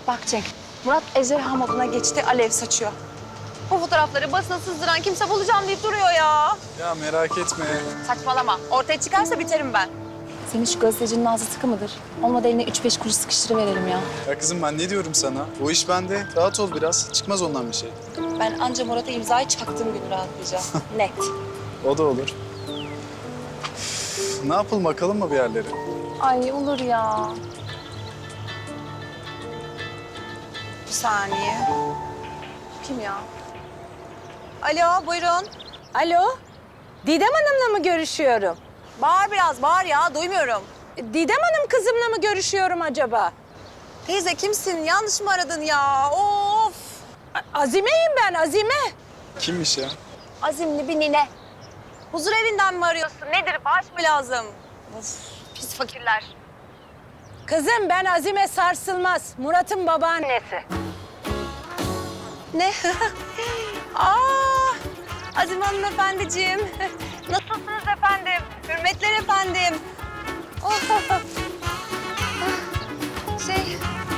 Bak Cenk, Murat ejderha moduna geçti, alev saçıyor. Bu fotoğrafları basına sızdıran kimse bulacağım deyip duruyor ya. Ya merak etme. Saçmalama. Ortaya çıkarsa biterim ben. Senin şu gazetecinin ağzı sıkı mıdır? Olmadı eline 3-5 kuruş sıkıştırıverelim ya. Ya kızım ben ne diyorum sana? O iş bende. Rahat ol biraz. Çıkmaz ondan bir şey. Ben anca Murat'a imzayı çaktığım gün rahatlayacağım. Net. O da olur. Üf, ne yapalım bakalım mı bir yerlere? Ay olur ya. Bir saniye. Kim ya? Alo, buyurun. Alo, Didem Hanım'la mı görüşüyorum? Bağır biraz, bağır ya. Duymuyorum. Didem Hanım kızımla mı görüşüyorum acaba? Teyze kimsin? Yanlış mı aradın ya? Of! Azime'yim ben, Azime. Kimmiş ya? Azimli bir nine. Huzur evinden mi arıyorsun? Nedir? Bağış mı lazım? Of, pis fakirler. Kızım ben Azime Sarsılmaz, Murat'ın babaannesi. Ne? Azim hanımefendiciğim. Nasılsınız efendim? Hürmetler efendim. Oh,